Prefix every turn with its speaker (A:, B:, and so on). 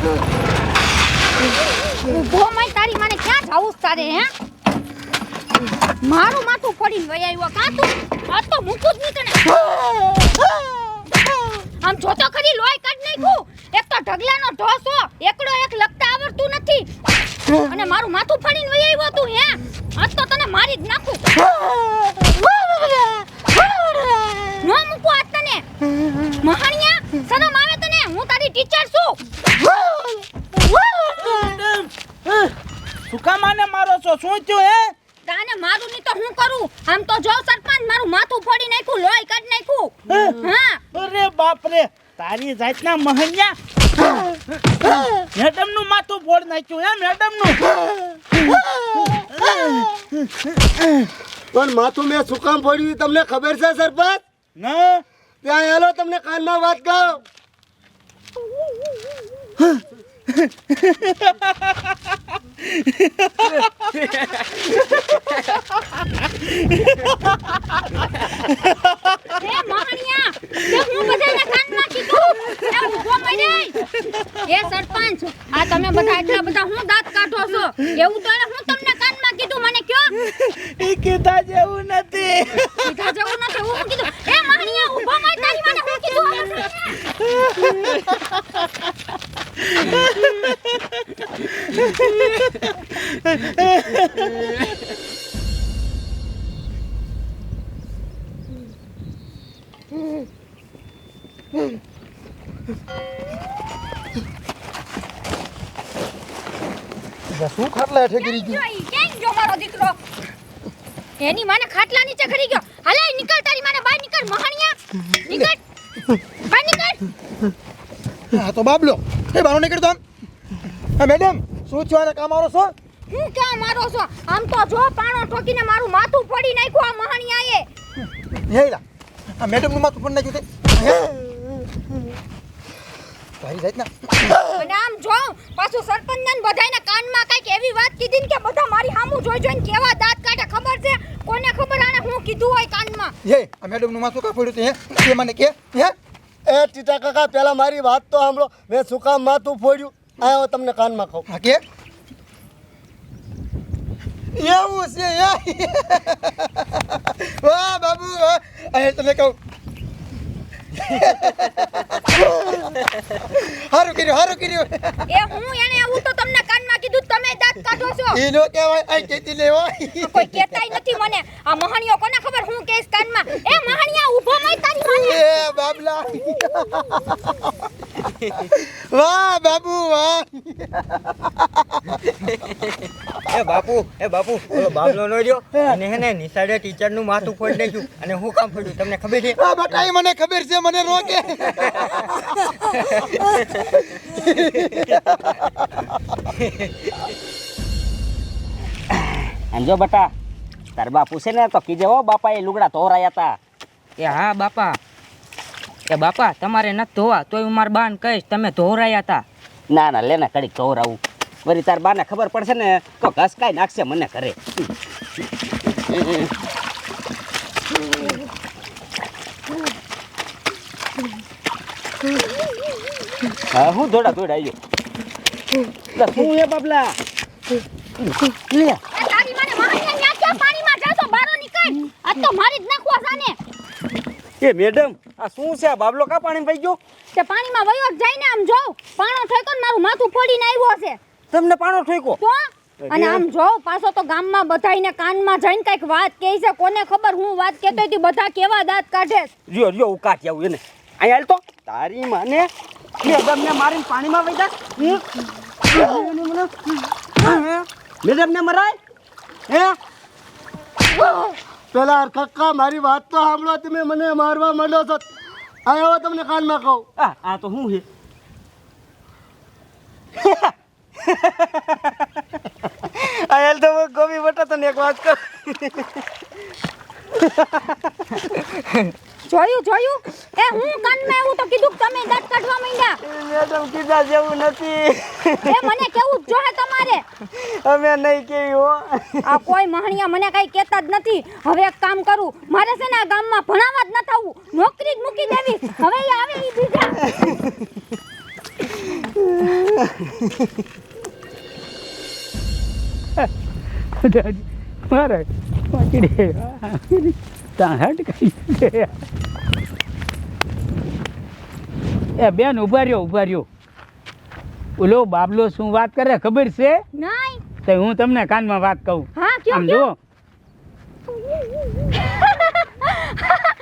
A: ઊભો મય તારી માને ક્યાં જાવું છે તારે હે? મારું માથું ફોડીને વઈ આવ્યો કાં તું? આ તો મૂકું જ નહીં તને. આમ જોતો ખરી લોહી કાઢ નાખ્યું. એક તો ઢગલાનો ઢોસો, એકડો એક લખતા આવડતું નથી. અને મારું માથું ફાડીને વઈ આવ્યો તું હે? આજ તો તને મારી જ નાખું. નો મૂકું આજ તને. મહાણિયા શરમ આવે તને? હું તારી ટીચર છું.
B: સુકા માને મારો છો? શું થયું હે?
A: તાને મારું ની તો હું કરું? આમ તો જો સરપંચ મારું માથું ફોડી નાખ્યું, લોહી કાઢ નાખ્યું. હા
B: અરે બાપ રે, તારી જાતના મહન્યા મેડમ નું માથું ફોડ નાખ્યું હે? મેડમ નું
C: પણ માથું મેં શું કામ ફોડ્યું તમને ખબર છે સરપંચ?
B: ના
C: ત્યાં હેલો તમને કાનમાં વાત કહું.
A: એ મહાણિયા તે હું બધાને કાનમાં કીધું. એ ઊભો મરે. એ સરપંચ આ તમે બધા એટલા બધા હું દાંત કાઢો છો? એવું તો હું તમને કાનમાં કીધું, મને કયો?
B: એ કીધા જેવું નથી.
A: કીધા જેવું નથી હું કીધું. એ મહાણિયા ઊભો મર, તારી મને હું કીધું?
C: શું ખાટલા હેઠે ગીરી ગયું?
A: કેમ જો મારો દીકરો એની માને ખાટલા નીચે ખરી ગયો. હાલે નીકળ, તારી માને બહાર નીકળ. મહાણિયા નીકળ, બહાર નીકળ.
C: હા તો બાબલો એ બારો નીકળતો આમ. હા મેડમ શું છો? આને કામ આવો છો?
A: હું ક્યાં મારો છો? આમ તો જો પાણો ઠોકીને મારું માથું ફોડી નાખ્યું આ મહાણિયાએ.
C: હેલા આ મેડમ નું માથું ફોડી નાખ્યું તે. ભાઈ જાત ના
A: અને આમ જો પાછું સરપંચને બધાયના કાનમાં કઈક એવી વાત કીધી ને કે બધા મારી સામું જોઈ જોઈને કેવા દાંત કાઢે. ખબર છે કોને ખબર આને હું કીધું હોય કાનમાં?
C: હે આ મેડમ નું માથું કા ફોડ્યું તે? હે એ મને કે હે એ ટીટા કાકા પહેલા મારી વાત તો સાંભળો. મેં શું કામ માથું ફોડ્યું આયો તમને કાનમાં કહું. હા કે એવું છે? વાહ બાબુ વાહ. આ તને કહું હારું કર્યું.
A: એ હું એને આવું તો તમને કાનમાં કીધું, તમે દાંત કાઢો છો.
C: ઈ નો કહેવાય આ કેતી લેવો.
A: કોઈ કહેતાય નથી મને. આ મહાણિયો કોને ખબર હું કેસ કાનમાં? એ મહાણિયા ઊભો મય તારી માને.
C: એ બાબલા વાહ બાબુ વાહ.
D: એ બાપુ ઓલો બાબલો નો રહ્યો અને હેને નિશાળે ટીચર નું માથું ફોડી નાખ્યું. અને હું કામ ફોડ્યું તમને ખબર છે?
C: આ બેટા ઈ મને ખબર છે, મને રોકે.
E: જો બટા તાર બાપુ છે ને તો કીજે હો બાપા એ લુગડા ધોરાયા હતા.
D: એ હા બાપા. એ બાપા તમારે નથી ધોવા તોય હું મારા બાને કહીશ તમે ધોરાયા હતા.
E: ના ના લેને કડીક ધોરાવું. વળી તાર બાને ખબર પડશે ને તો ઘસકાઈ નાખશે મને ઘરે. હા હું દોડા આવ્યો. શું હે બાબલા? લે
A: તારી માને મહાણિયા ન્યા ક્યાં પાણીમાં જાતો? બારો નીકળ. આ તો મારી જ નાખવા જાને.
E: એ મેડમ આ શું છે? આ બાબલો કા પાણી પી ગયો?
A: તે પાણીમાં વયો જ જાય ને. આમ જો પાણો ઠોક્યો ને મારું માથું ફોડીને આવ્યો છે.
E: તમને પાણો ઠોક્યો?
A: તો અને આમ જો પાછો તો ગામમાં બધાયને કાનમાં જઈને કઈક વાત કહે છે. કોને ખબર હું વાત કહેતો હતી? બધા કેવા દાંત કાઢે.
E: જો ઉકાટી આવું એને અહીંયા હાલ તો તારી માને મેડમ ને મારીને પાણીમાં વઈ જા. મેડમ ને મરાય હે?
C: પેલા કાકા મારી વાત તો સાંભળો. તમે મને મારવા માંડો છો. આયો તમને કાનમાં કહું.
E: આ તો શું છે?
D: આયલ તો ગોમી બટા તને એક વાત કર.
A: જોયું એ હું કાનમાં એવું તો કીધું કે તમે દાંત કાઢવા માંડ્યા.
D: મેડમ કીધા જેવું નથી.
A: એ મને કેવું જ જોહે તમારે.
D: અમે નહીં કેવી હો.
A: આ કોઈ મહાણિયા મને કઈ કહેતા જ નથી. હવે એક કામ કરું, મારે છે ને આ ગામમાં ભણાવવા જ ન થવું, નોકરી જ મૂકી દેવી. હવે એ આવે ઈ બીજા.
F: મારે પકડી તાહટ કરી એ બેન ઉભા રહ્યો ઓલો બાબલો શું વાત કરે ખબર છે
A: નહીં
F: તો હું તમને કાનમાં વાત કહું
A: હા કયો
F: આમ જો
A: કયો